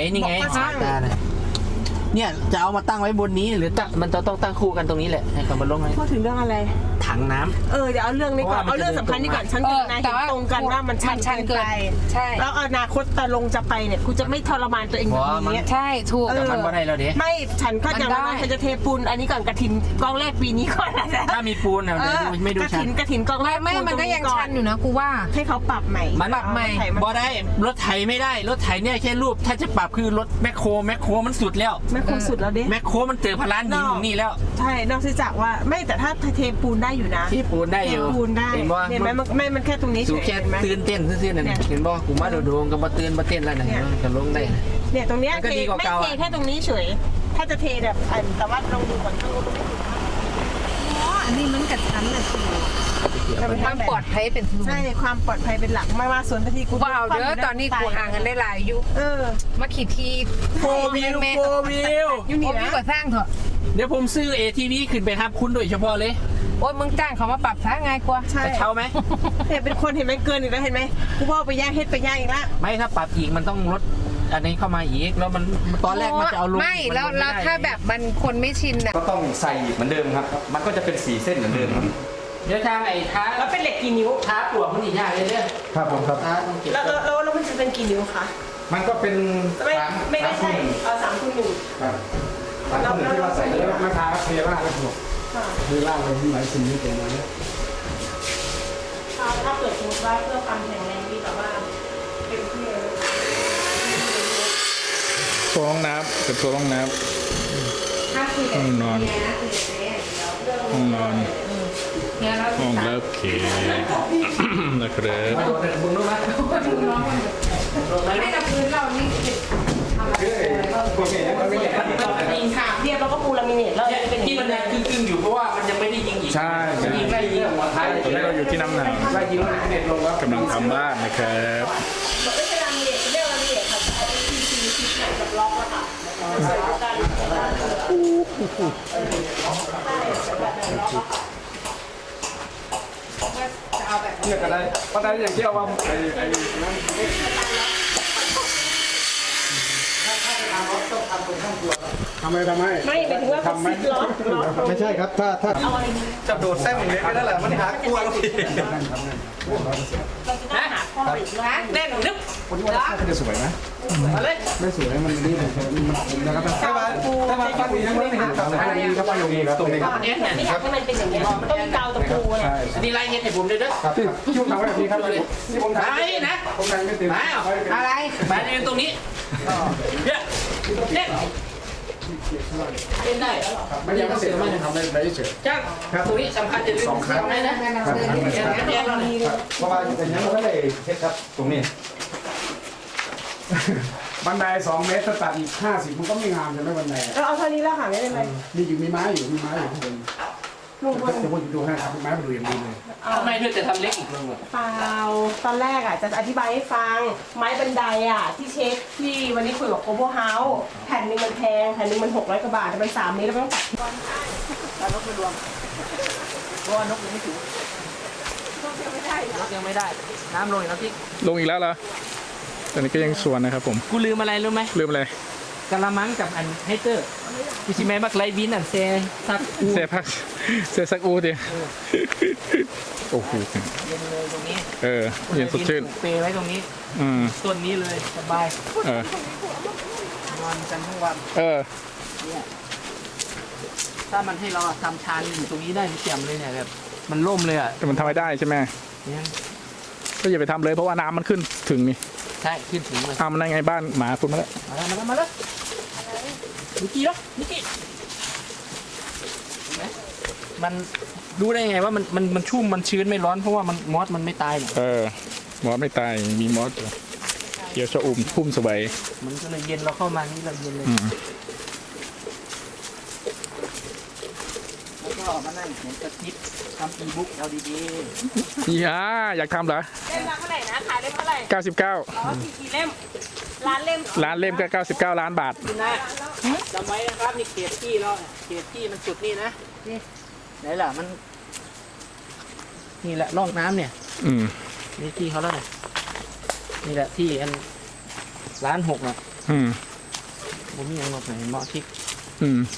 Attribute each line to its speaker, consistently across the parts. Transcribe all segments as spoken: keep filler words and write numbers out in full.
Speaker 1: นี่ไงตาเนี่ยเนี่ยจะเอามาตั้งไว้บนนี้หรือตั้งมันจะต้องตั้งคู่กันตรงนี้แหละให้เขามาลงให้
Speaker 2: พูดถึงเรื่องอะไร
Speaker 1: ถังน้ำ
Speaker 2: เออเดี๋ยวเอาเรื่องนี้ก่อนเอาเรื่องสำคัญนี่ก่อนฉันกับนายเห็นตรงกันว่ามันชันเกินไปใช่แล้วอนาคตตาลงจะไปเนี่ยกูจะไม่ทรมานตัวเองแบบนี้
Speaker 3: ใช่ถูก
Speaker 1: แต่มันไม่ได้แล้วเด้
Speaker 2: ไม่ฉันก็อย่างนั้นฉันจะเทปูนอันนี้ก่อนกระถินกองแรกปีนี้ก่อนนะ
Speaker 1: ถ้ามีปูนเนี่ยไม่ดูชัน
Speaker 2: กระถินกองแรก
Speaker 3: ไม่มันก็ยังชันอยู่นะกูว่า
Speaker 2: ให้เขาปรับใหม่
Speaker 1: มันปรับใหม่บ่ได้รถไถไม่ได้รถไถเนี่ยแค่รูปถ้าจะปรับคือรถแมคโครแมคโครมันสุดแล้ว
Speaker 2: แมคโครสุดแล้วเด้
Speaker 1: แมคโครมันเจอพลานยิงนี่แล้ว
Speaker 2: ใช่นอกจากว่าไม่แต่ถ้าเทปูนได้อยู่นะ
Speaker 1: เทปูนได้อยู่
Speaker 2: ปูนได้เห็นไหมมันไม่มันแค่ตรงนี้
Speaker 1: เฉยแค่ตื่นเต้นซื่อๆนั่นเห็นบ่กูมาโดดๆกับมาตื่นมาเต้นแล้วนะจะลงได้
Speaker 2: เนี่ยตรงเนี้ยไม่เทแค่ตรงนี้เฉยถ้าจะเทแบบแต่ว่าลองดูก่อนข้างบน
Speaker 3: อ๋ออันนี้มันกับชั้นน่ะสิความปลอดภัยเป็น
Speaker 2: ใช่ความปลอดภัยเป็นหลักไม่ว่าส่วนที่กู
Speaker 3: ว้าวเด้อตอนนี้กูห่างกันได้หลายยุค
Speaker 2: เออ
Speaker 3: มาขี่ที
Speaker 1: โฟวิวโฟวิว
Speaker 3: ยูนี่นะก่อสร้างเถอะ
Speaker 1: เดี๋ยวผมซื้อ เอ ที วี ขึ้นไปทับคุณโดยเฉพาะเลย
Speaker 3: โอ้ยมึงจ้างเขามาปรับซะง่ายกว่า
Speaker 2: ใช่
Speaker 1: เช่าไหม
Speaker 2: เห็นเป็นคนเห็นไหมเกินอีกแล้วเห็นไหมกูว่าไปย่างเฮ็ดไปย่างอีกละ
Speaker 1: ไม่ถ้าปรับอีกมันต้องลดอันนี้เข้ามาอีกแล้วมันตอนแรกมันจะเอาลง
Speaker 3: ไม่แล้วแล้วถ้าแบบมันคนไม่ชินอ่ะ
Speaker 4: ก็ต้องใส่อีกเหมือนเดิมครับมันก็จะเป็นสีเส้นเหมือนเดิมครับ
Speaker 1: เดี๋ยวทางไอ้ท้า
Speaker 2: แล้วเป็นเหล็กกี่นิ้ว
Speaker 1: ท้าปลวกมันอีกอย่างเลยเนี่ย
Speaker 4: ครับผมครับ
Speaker 2: แล้วแล้วแล้วมันจะเป็นกี่นิ้วคะ
Speaker 4: มันก็เป็น
Speaker 2: ไม่ไม่ได้ใช่เอาสามคูณหนึ่ง
Speaker 4: ครับสามคูณหนึ่งที่เราใส่แล้วมาทาเคลียร์ล่างแล้วถูกเคลียร์ล่างเลยที่หมายสิ่งนี้เป็นอะไร
Speaker 2: ถ้าเกิดสมมติว่าเพื่อความแข็งแรงดีแต่ว่าเป็นที่
Speaker 5: ตัวห้องน้ำเป็นตัวห้องน้ำห้องนอนห้องนอนห้องรับแขกนะครับ
Speaker 3: ไม่กับพื้นเรานี่
Speaker 2: ยิงขาเรียบแล้วก็ปูลามิเนตแล้ว
Speaker 1: ที่มันยังกึ่งๆอยู่เพราะว่ามันยังไม่ได้ยิงอีก
Speaker 5: ใช่
Speaker 1: ยิงได้ยิงหัวท้าย
Speaker 5: ตอนนี้เราอยู่ที่น้ำหนาวกำลังทำบ้านนะครับ
Speaker 2: ไม่ใช่ลามิเนตเรียกลามิเนตค่ะไอ้ทีซีซีแบบล็อกอะค่ะ
Speaker 4: เนี่ยก็ได้ก็ได้อย่างที่เอาว่าไอ้ไอ้นั่นทำไมทำไม
Speaker 2: ไม่หมายถึงว่าทำไม
Speaker 4: ไม่ใช่ครับถ้าถ้าจะโดดเส้นอย่างนี้ก็ได้แหละมันหากลัวแล้วพี่
Speaker 2: นะหาข้ออีกนะแน่นนึก
Speaker 4: คนที่ว่าจะสวยไหมไม่สวยมันดีเลยมันนะครับถ้ามาถ้ามาปั้นนี้ไม่ได้ครับถ้ามีก็ปั้นตรงนี้ครับตรงนี้ครับ
Speaker 2: ไม่อยากให้มันเป็นอย่างนี้มันต้องมีกาวตะปูเลย
Speaker 1: อันนี้ไล่เงี้ยให้ผมด้วยนะ
Speaker 4: ที่ผมทำแบบนี้ครับที่ผมทำ
Speaker 1: ไอ้นะ
Speaker 4: ผมทำไม่เต็ม
Speaker 1: อะไรมาเรียนตรงนี้เนี่ยเนี่ยเป็นได้แล้วหรอ
Speaker 4: ไม่ยังไม่เสร็จไม่ยังทำได้ได้เฉย
Speaker 1: จ้างตรงนี้สำคัญจะลืมสองได้นะ
Speaker 4: เพราะว่าอย่างนี้มันก็เลยเช็ดครับตรงนี้บันไดสองเมตรตัดอีกห้าสิบมันก็ไม่งามใช่ไหมบันได
Speaker 2: เราเอาเท่านี้แล้วค่ะไม่ได้ไหม
Speaker 4: มีอยู่มีไม้อยู่มีไม้อยู่ข้างบนลุงบนจะพูดดูให้ครับไม้มันดูอย่างดีเลย
Speaker 1: ทำไมเธอจะทำเล็กอีกลุง
Speaker 2: เปล่าตอนแรกอ่ะจะอธิบายให้ฟังไม้บันไดอ่ะที่เช็คที่วันนี้คุยกับโกโบเฮาส์แผ่นนึงมันแพงแผ่นนึงมันหกร้อยกว่าบาทแต่มันสามเมตรแล้วต้องตัดก้อนแล้วนกไปรวมเพราะว่านกยังไม่ถึงนกยังไม่ได้นกยังไม่ได้น้ำลงอีกแล้วพี่
Speaker 5: ลงอีกแล้วเหรอตอนนี้ก็ยังสวนนะครับผม
Speaker 1: กูลืมอะไรรู้ไหม
Speaker 5: ลืมอะไร
Speaker 1: กะละมังกับอันไฮเตอร์พี่ชิแม่บักไลวินอันเซซักอู
Speaker 5: เซพักเซซักอูดิโอ้โห
Speaker 1: เย็นเลยตรงนี้
Speaker 5: เออเย็นสดชื่น
Speaker 1: เปย์ไว้ตรงนี้
Speaker 5: อืม
Speaker 1: ต้นนี้เลยสบาย
Speaker 5: เออ
Speaker 1: นอนกันทั้งวัน
Speaker 5: เออ
Speaker 1: เนี่ยถ้ามันให้เราทำชานอยู่ตรงนี้ได้เสียมเลยเนี่ยแบบมันล่มเลยอ่ะ
Speaker 5: แต่มันทำไม่ได้ใช่ไหมก็อย่าไปทำเลยเพราะว่าน้ำมันขึ้นถึงนี่
Speaker 1: ใช่ขึ้นถึงเลย
Speaker 5: ทำมันได้ไงบ้านหมาคุณมาแล้ว
Speaker 1: มาแล้วมาแล้วนิกกี้แล้วนิกกี้มันรู้ได้ไงว่ามันมันมันชุ่มมันชื้นไม่ร้อนเพราะว่ามันมอสมันไม่ตาย
Speaker 5: เออมอสไม่ตายมีมอสเขียวชอุ่มพุ่มสบาย
Speaker 1: มันก็เลยเย็นเราเข้ามานี่เราเย็นเลยแล้วก็มานั่งเหมือนกระติบทำอีบุ๊กเอาดี
Speaker 5: ๆย่าอยากทำเหรอ
Speaker 2: เล่มละเท่าไหร่นะขายเล่มเท่าไหร่
Speaker 5: เก้าสิบเก้า
Speaker 2: อ๋อกี่เล่มร้านเล่ม
Speaker 5: ร้านเล่มก็เก้าสิบเก้าล้านบาท
Speaker 1: นะจำไว้นะครับนี่เขตที่เราเขตที่มันสุดนี่นะนี่ไหนล่ะมันนี่แหละร่องน้ำเนี่ย
Speaker 5: อืม
Speaker 1: นี่ที่เขาแล้วเนี่ยนี่แหละที่อันร้านหกอ่ะ
Speaker 5: อืม
Speaker 1: ผมมีอย่างหมดไหนเหมาะที่
Speaker 5: อืม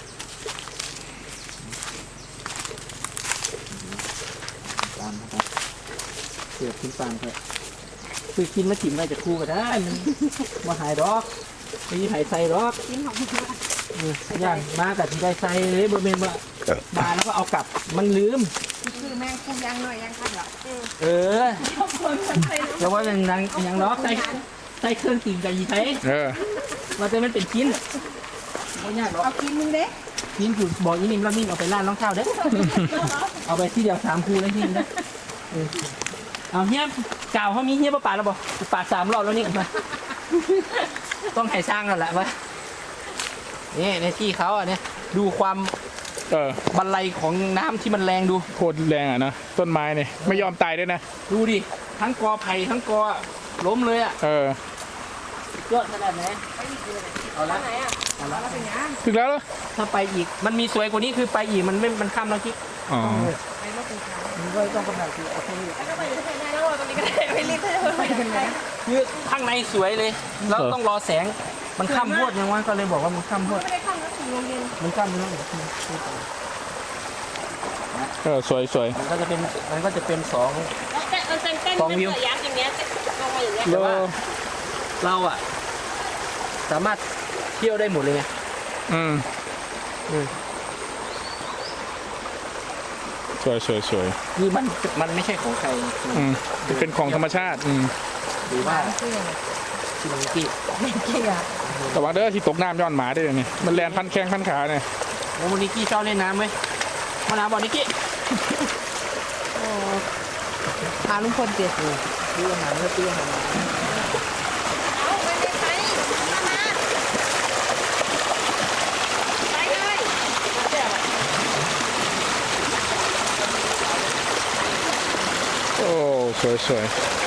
Speaker 1: ตามนะครับเสือขึ้นตามเถอะคือกินมาจิ้มไว้จะคู่ก็ได้มันมาหายดอกมีไผ่ใส่ดอก
Speaker 3: กินของเพื่อน
Speaker 1: เออย่างมากับที่ได้ใส่เลยบะเมนว่ามาแล้วก็เอากลับมันลืม
Speaker 3: คือแม่งคุ้มยังหน่อยยังคันเหรอ
Speaker 1: เออแล้วว่าอย่างนั้นอย่างดอกใส่ใส่เครื่องติ่งกับยีไทย
Speaker 5: เออ
Speaker 1: ว่าจะมันเป็นชิ้นไม่ยากหรอก
Speaker 3: เอากินนึงเด้
Speaker 1: ชิ้นคือบอกอีนิ่มแล้วนิ่มเอาไปร้านน้องข้าวเด้อ เอาไปที่เดียวสามคูเลยที่นี่นะเออเอาเฮียกล่าวเขามีเฮียประปาแล้วบอกปาดสามรอบแล้วนี่มา ต้องให้สร้างแล้วแหละวะนี่ในที่เขาอ่ะเนี่ยดูความ
Speaker 5: เออ
Speaker 1: บันไลของน้ำที่มันแรงดู
Speaker 5: โคตรแรงอ่ะนะต้นไม้เนี่ยไม่ยอมตายด้วยนะ
Speaker 1: ดูดิทั้งกอไผ่ทั้งกอล้มเลยอ่ะ
Speaker 5: เออย
Speaker 1: อดขนาดไหนเอาละเอาละ
Speaker 5: ถึงแล้วเหรอ
Speaker 1: ถ้าไปอีกมันมีสวยกว่านี้คือไปอีกมันไม่มันข้ามแล้วคิด
Speaker 5: อ๋อ
Speaker 1: มันก็ต้องกำลังคือเอาแค่นี้
Speaker 2: ก็ไปที่ไหนได้แล้วตรงนี้ก็ได้ไม่รีบให้เธอไปกันไหน
Speaker 1: คือข้างในสวยเลยแล้วต้องรอแสงมันข้ามพวดยังว่าก็เลยบอกว่ามันข้ามพวด
Speaker 2: ไม่ได้ข้ามแล้วถึงโรงเรียน
Speaker 1: มันข้ามแล้ว
Speaker 5: เออสวยสวย
Speaker 1: มันก็จะเป็นมันก็จะเป็นสอง
Speaker 2: แล้วเต้นเต้นเต้นเป็นระยะอย่างเงี้ยลงมาอย่างเงี้ย
Speaker 5: โล
Speaker 1: เราอ่ะสามารถเที่ยวได้หมดเลยไง
Speaker 5: อืม
Speaker 1: อืม
Speaker 5: สวยสวยสวย
Speaker 1: คือมันมันไม่ใช่ของใคร
Speaker 5: อืมเป็นของธรรมชาติอืม
Speaker 1: หรือว่าชิมกี้
Speaker 5: แต่ว่าเด้อที่ตกน้ำย้อนหมาได้เลยนี่มันแลนพันแข้งพันขาเนี่ย
Speaker 1: โอ้นิกกี้ชอบเล่นน้ำไหมมาน้ำบอกนิกกี้
Speaker 3: พาลุงพลเจ็ด
Speaker 1: ซื้ออาหารก็ซื้ออาหารมา
Speaker 2: เอาไปเลยไปมามาไปเลย
Speaker 5: โอ้สวยสวย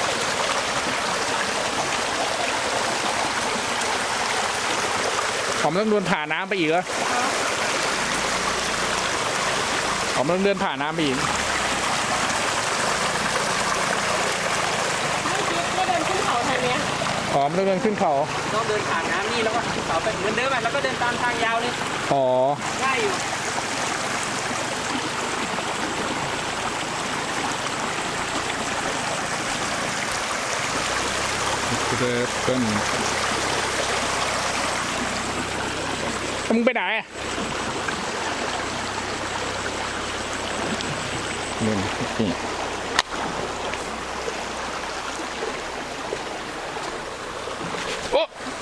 Speaker 5: ผมต้องเดินผ่านน้ำไปอีกเหรอผมต้องเดินผ่านน้ำไปอีก
Speaker 2: ไม่เดินขึ้นเขาทางเนี้ย
Speaker 5: อ๋อมันต้องเดินขึ้นเขา
Speaker 1: ต้องเดินผ่านน้ำนี่แล้วก็ขึ้นเขาไปเหมือนเดิมอ่ะแล้วก็เดินตามทางยาวเลย
Speaker 5: อ๋อ
Speaker 1: ได้อยู่
Speaker 5: เดินต้นมึงไปไหนอะนี่นี่โอ้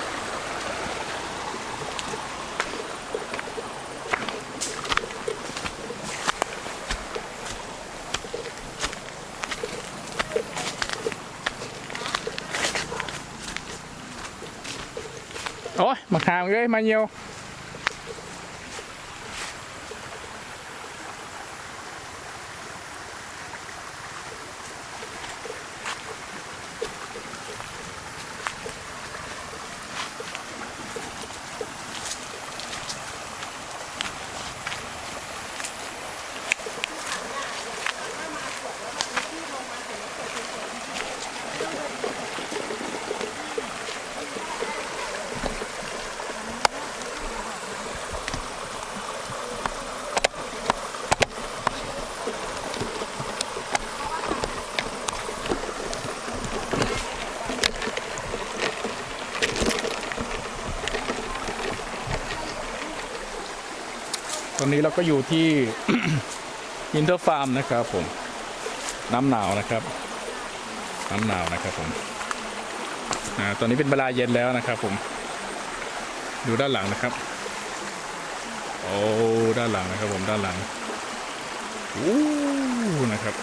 Speaker 5: โอ้ยมาหามเลยมาเยียวตอนนี้เราก็อยู่ที่ อินเตอร์ฟาร์มนะครับผมน้ำหนาวนะครับน้ำหนาวนะครับผมอ่าตอนนี้เป็นเวลาเย็นแล้วนะครับผมดูด้านหลังนะครับโอ้ด้านหลังนะครับผมด้านหลังอู้นะครับ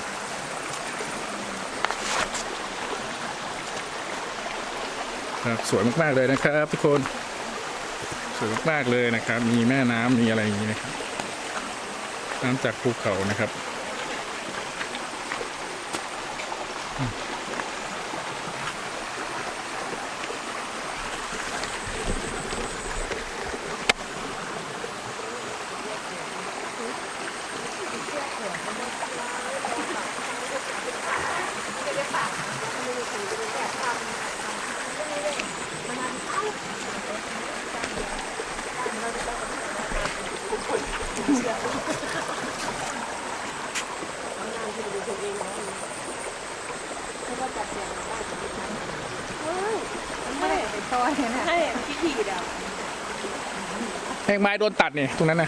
Speaker 5: ครับสวยมากๆเลยนะครับทุกคนสวยมากๆเลยนะครับมีแม่น้ำมีอะไรอย่างนี้นะครับน้ำจากภูเขานะครับ
Speaker 3: ซอยน่ะ
Speaker 2: ให้พิธีเดียว
Speaker 5: แมงไม้โดนตัดนี่ตรงนั้นนะ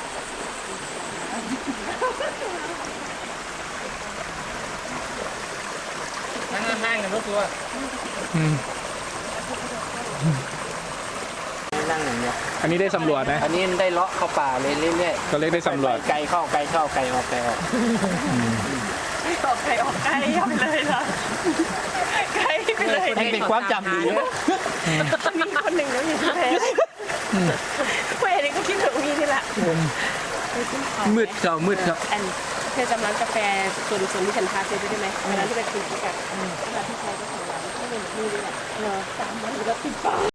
Speaker 1: นั่งห้างกันรถตัว
Speaker 5: อืม
Speaker 1: นั่งอย่างเดียว
Speaker 5: อันนี้ได้สำรวจนะ
Speaker 1: อันนี้ได้เลาะเข้าป่าเลยเรื่อย
Speaker 5: ก็เลยได้
Speaker 1: ๆ
Speaker 5: สำรวจ
Speaker 1: ไกลเข้าไกลเข้าไกลออกไกลออก
Speaker 2: ออกไกลออกไกลยับเลยเหรอไกลไปเลย
Speaker 1: ให้เป็นความจำดีนะ
Speaker 2: มีคนหนึ่งแล้วอยู่ที่แพ้เว้ยนี่ก็คิดถึงมีนี่แหละ
Speaker 1: มืดเจ้ามืดครับ
Speaker 2: อันเธอจำร้านกาแฟส่วนส่วนที่ฉันพาเธอไปได้ไหมเวลาที่ไปคุยกันเวลาที่ใช้ก็ของร้านที่เป็นนี่ด้วยแหละเออสามวันแล้วติดปาก